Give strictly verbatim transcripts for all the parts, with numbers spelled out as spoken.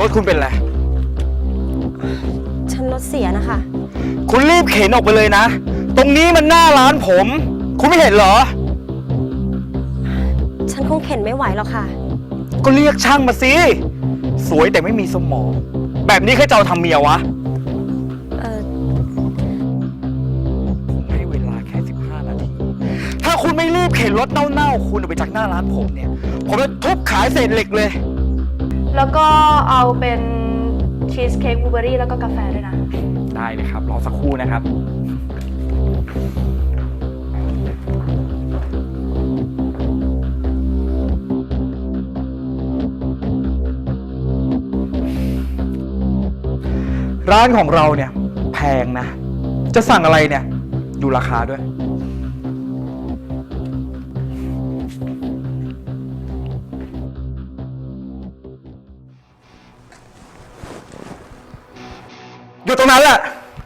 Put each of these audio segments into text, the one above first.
ถคุณเป็นไรฉันรถเสียนะคะคุณรีบเข็นออกไปเลยนะตรงนี้มันหน้าร้านผมคุณไม่เห็นเหรอฉันคงเข็นไม่ไหวหรอกค่ะก็เรียกช่างมาสิสวยแต่ไม่มีสมองแบบนี้ใครจะเอาทำเมียวะเออให้เวลาแค่สิบห้านาทีถ้าคุณไม่รีบเข็นรถเน่าๆคุณออกไปจากหน้าร้านผมเนี่ยผมจะทุบขายเศษเหล็กเลยแล้วก็เอาเป็นชีสเค้กบลูเบอร์รี่แล้วก็กาแฟด้วยนะได้เลยครับรอสักครู่นะครับร้านของเราเนี่ยแพงนะจะสั่งอะไรเนี่ยดูราคาด้วยอยู่ตรงนั้นแหละ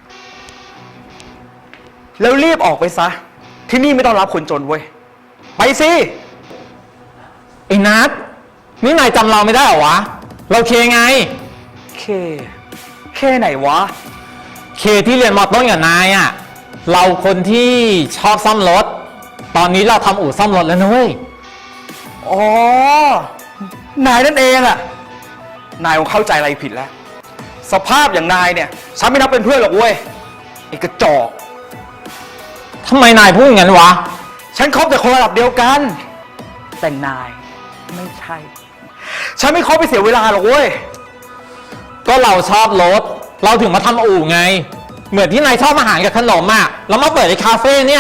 แล้วรีบออกไปซะที่นี่ไม่ต้องรับคนจนเว้ยไปสิไอ้นัทนี่นายจำเราไม่ได้เหรอวะเราเคไงเคเคไหนวะเคที่เรียนมอต้นกับนายอ่ะเราคนที่ชอบซ่อมรถตอนนี้เราทำอู่ซ่อมรถแล้วนะเว้ยอ๋อนายนั่นเองอะนายคงเข้าใจอะไรผิดแล้วสภาพอย่างนายเนี่ยฉันไม่นับเป็นเพื่อนหรอกเว้ยไอ้กระจอกทำไมนายพูดอย่างนั้นวะฉันคบแต่คนระดับเดียวกันแต่นายไม่ใช่ฉันไม่คบไปเสียเวลาหรอกเว้ยก็เราชอบรถเราถึงมาทำอู่ไงเหมือนที่นายชอบอาหารกับขนมอ่ะแล้วมาเปิดในคาเฟ่เนี่ย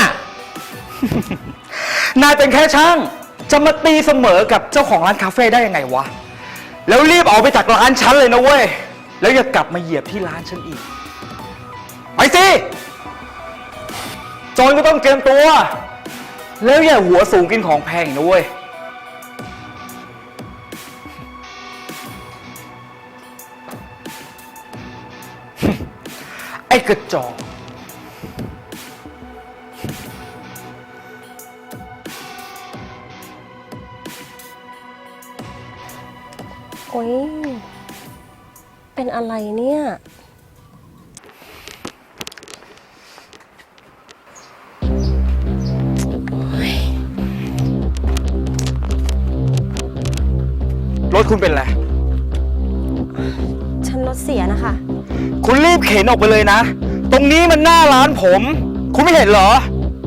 นายเป็นแค่ช่างจะมาตีเสมอกับเจ้าของร้านคาเฟ่ได้ยังไงวะแล้วรีบออกไปจากร้านฉันเลยนะเว้ยแล้วอย่ากลับมาเหยียบที่ร้านฉันอีกไปสิจนก็ต้องเตรียมตัวแล้วอย่าหัวสูงกินของแพงนะเว้ยไอ้กระจอกโอ๊ยเป็นอะไรเนี่ยรถคุณเป็นไรฉันรถเสียนะคะคุณรีบเข็นออกไปเลยนะตรงนี้มันหน้าร้านผมคุณไม่เห็นเหรอ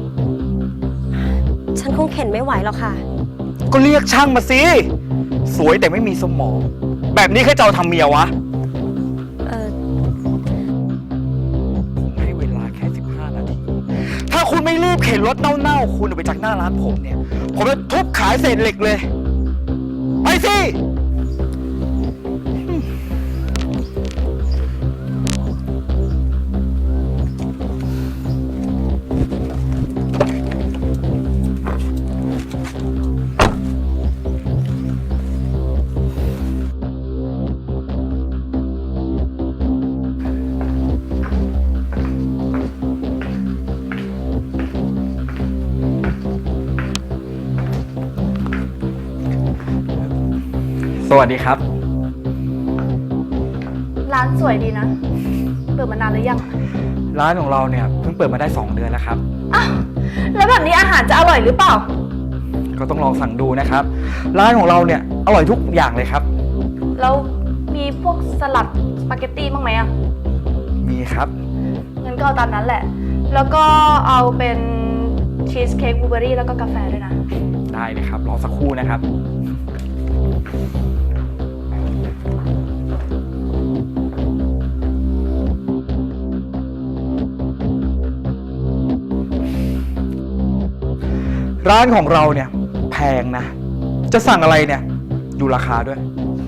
ฉันคงเข็นไม่ไหวหรอกค่ะก็เรียกช่างมาสิสวยแต่ไม่มีสมองแบบนี้ใครจะเอาทำเมียวะเออให้เวลาแค่สิบห้านาทีถ้าคุณไม่รีบเข็นรถเน่าๆคุณออกไปจากหน้าร้านผมเนี่ยผมจะทุบขายเศษเหล็กเลยไปสิสวัสดีครับร้านสวยดีนะเปิดมานานหรือยังร้านของเราเนี่ยเพิ่งเปิดมาได้สองเดือนแล้วครับอ้าวแล้วแบบนี้อาหารจะอร่อยหรือเปล่าก็ต้องลองสั่งดูนะครับร้านของเราเนี่ยอร่อยทุกอย่างเลยครับแล้วมีพวกสลัดสปาเกตตี้บ้างไหมอ่ะมีครับงั้นก็เอาตามนั้นแหละแล้วก็เอาเป็นชีสเค้กบลูเบอร์รี่แล้วก็กาแฟด้วยนะได้เลยครับรอสักครู่นะครับร้านของเราเนี่ยแพงนะจะสั่งอะไรเนี่ยดูราคาด้วย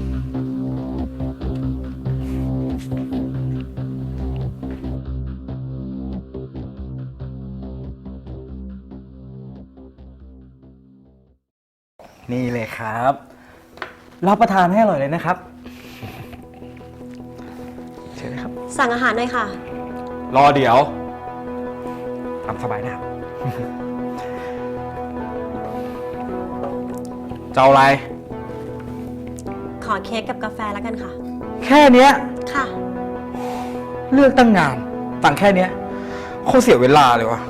นี่เลยครับรับประทานให้อร่อยเลยนะครับเชิญเลยครับสั่งอาหารหน่อยค่ะรอเดี๋ยวตามสบายนะครับจะเอาอะไรขอเค้กกับกาแฟแล้วกันค่ะแค่เนี้ยค่ะเลือกตั้งงานตังค์แค่เนี้ยโคตรเสียเวลาเลยวะ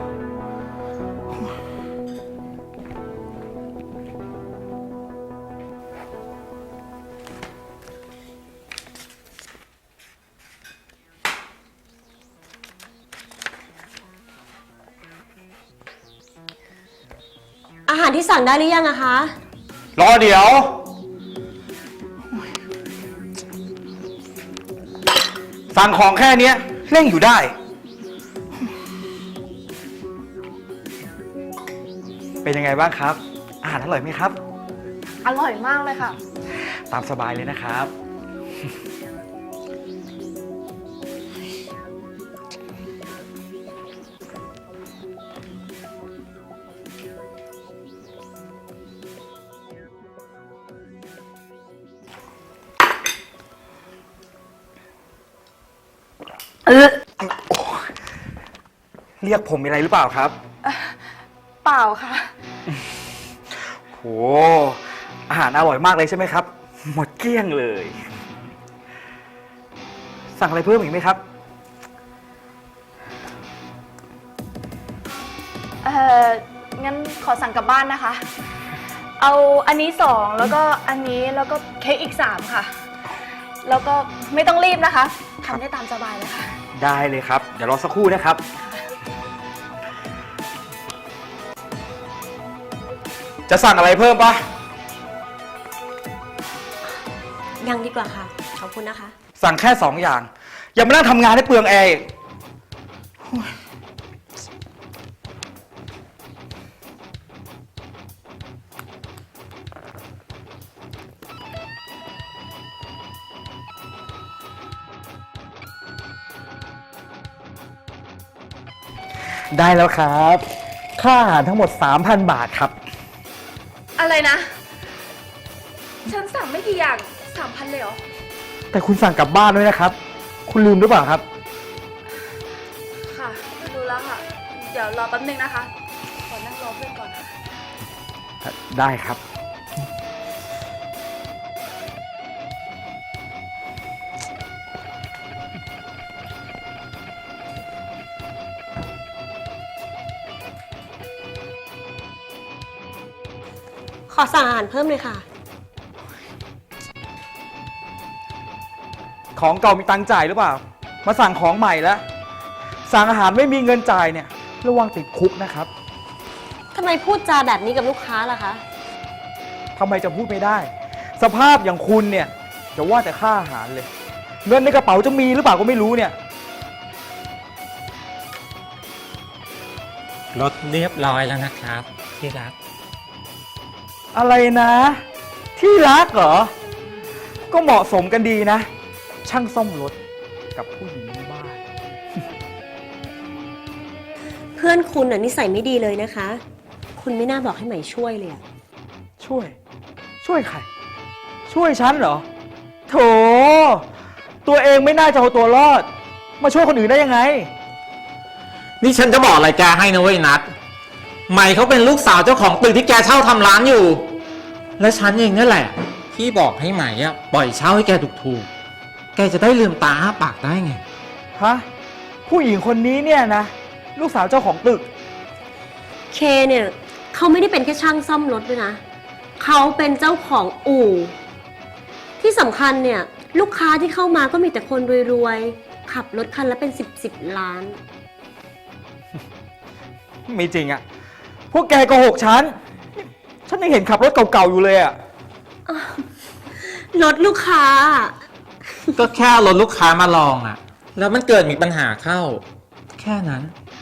อาหารที่สั่งได้หรือยังอะคะรอเดี๋ยว สั่งของแค่เนี้ยเร่งอยู่ได้ เป็นยังไงบ้างครับ อาหารอร่อยไหมครับอร่อยมากเลยค่ะตามสบายเลยนะครับเออโอ้เรียกผมมีอะไรหรือเปล่าครับเปล่าค่ะโห อาหารอร่อยมากเลยใช่ไหมครับ หมดเกลี้ยงเลย สั่งอะไรเพิ่มอีกไหมครับเอองั้นขอสั่งกลับบ้านนะคะ เอาอันนี้สองแล้วก็อันนี้แล้วก็เค้กอีกสามค่ะ แล้วก็ไม่ต้องรีบนะคะทำได้ตามสบายเลยค่ะได้เลยครับ เดี๋ยวรอสักครู่นะครับ จะสั่งอะไรเพิ่มปะยังดีกว่าค่ะ ขอบคุณนะคะสั่งแค่สองอย่าง อย่ามานั่งทำงานให้เปลืองแอร์อีกโอ้ยได้แล้วครับ ค่าอาหารทั้งหมด สามพัน บาทครับอะไรนะ ฉันสั่งไม่กี่อย่างสามพันเลยเหรอแต่คุณสั่งกลับบ้านด้วยนะครับ คุณลืมหรือเปล่าครับค่ะดูแล้วค่ะ เดี๋ยวรอแป๊บนึงนะคะ ขอนั่งรอเพื่อนก่อนนะได้ครับขอสั่งอาหารเพิ่มเลยค่ะของเก่ามีตังค์จ่ายหรือเปล่า มาสั่งของใหม่แล้ว สั่งอาหารไม่มีเงินจ่ายเนี่ย ระวังติดคุกนะครับทำไมพูดจาแบบนี้กับลูกค้าล่ะคะทำไมจะพูดไม่ได้ สภาพอย่างคุณเนี่ยจะว่าแต่ค่าอาหารเลย เงินในกระเป๋าจะมีหรือเปล่าก็ไม่รู้เนี่ยรถเรียบร้อยแล้วนะครับที่รักอะไรนะ ที่รักเหรอ ก็เหมาะสมกันดีนะ ช่างซ่อมรถกับผู้หญิงในบ้านเพื่อนคุณน่ะนิสัยไม่ดีเลยนะคะ คุณไม่น่าบอกให้ใหม่ช่วยเลยอะช่วย ช่วยใคร ช่วยฉันเหรอ โถ ตัวเองไม่น่าจะเอาตัวรอด มาช่วยคนอื่นได้ยังไงนี่ฉันจะบอกอะไรแกให้นะเว้ยนัดใหม่เขาเป็นลูกสาวเจ้าของตึกที่แกเช่าทำร้านอยู่ และฉันเองนั่นแหละที่บอกให้ใหม่อะปล่อยเช่าให้แกถูกๆแกจะได้ลืมตาอ้าปากได้ไงฮะ ผู้หญิงคนนี้เนี่ยนะ ลูกสาวเจ้าของตึกเคเนี่ยเขาไม่ได้เป็นแค่ช่างซ่อมรถด้วยนะ เขาเป็นเจ้าของอู่ ที่สำคัญเนี่ยลูกค้าที่เข้ามาก็มีแต่คนรวยๆ ขับรถคันละเป็นสิบสิบล้านไม่จริงอะพวกแกโกหกฉัน ฉันยังเห็นขับรถเก่าๆอยู่เลยอะรถลูกค้าก็แค่เอารถลูกค้ามาลองอะแล้วมันเกิดมีปัญหาเข้า แค่นั้น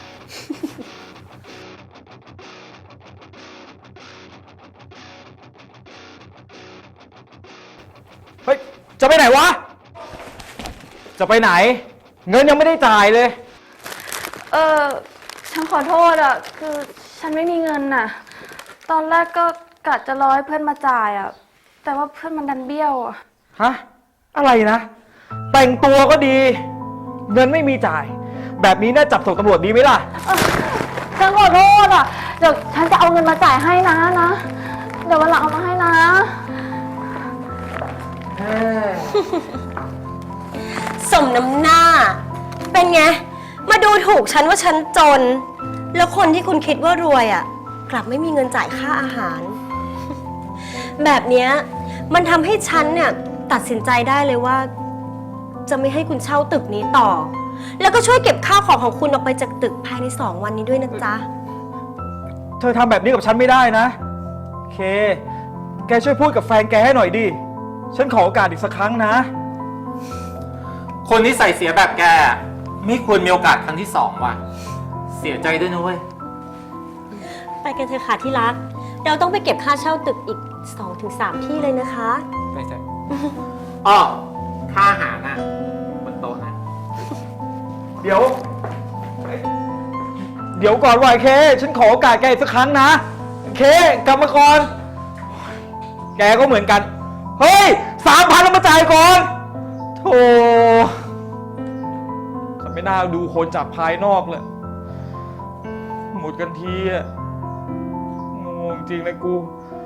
เฮ้ย จะไปไหนวะ จะไปไหน เงินยังไม่ได้จ่ายเลยเออฉันขอโทษอ่ะ คือฉันไม่มีเงินน่ะ ตอนแรกก็กะจะรอให้เพื่อนมาจ่ายอ่ะ แต่ว่าเพื่อนมันดันเบี้ยวอ่ะฮะ อะไรนะ แต่งตัวก็ดี เงินไม่มีจ่าย แบบนี้น่าจับส่งตำรวจดีไหมล่ะฉันขอโทษอ่ะ เดี๋ยวฉันจะเอาเงินมาจ่ายให้นะนะ เดี๋ยววันหลังเอามาให้นะสมน้ำหน้า เป็นไง มาดูถูกฉันว่าฉันจน แล้วคนที่คุณคิดว่ารวยอ่ะ กลับไม่มีเงินจ่ายค่าอาหาร แบบเนี้ยมันทำให้ฉันเนี่ยตัดสินใจได้เลยว่า จะไม่ให้คุณเช่าตึกนี้ต่อ แล้วก็ช่วยเก็บข้าวของของคุณออกไปจากตึกภายในสองวันนี้ด้วยนะจ๊ะเธอทำแบบนี้กับฉันไม่ได้นะเค แกช่วยพูดกับแฟนแกให้หน่อยดิ ฉันขอโอกาสอีกสักครั้งนะคนที่ใส่เสียแบบแกไม่ควรมีโอกาสครั้งที่สองว่ะ เสียใจด้วยนะเว้ยไปกันเถอะค่ะที่รัก เราต้องไปเก็บค่าเช่าตึกอีก สองถึงสาม ที่เลยนะคะไปเถอะอ้อ ค่าอาหารน่ะบนโต๊ะนะเดี๋ยว เดี๋ยวก่อนว่ะเค ฉันขอโอกาสแกอีกสักครั้งนะ เค กลับมาก่อน แกก็เหมือนกัน เฮ้ยสามพันแล้วมาจ่ายก่อนโธ่ฉันไม่น่าดูคนจากภายนอกเลย หมดกันทีอะงงจริงเลยกู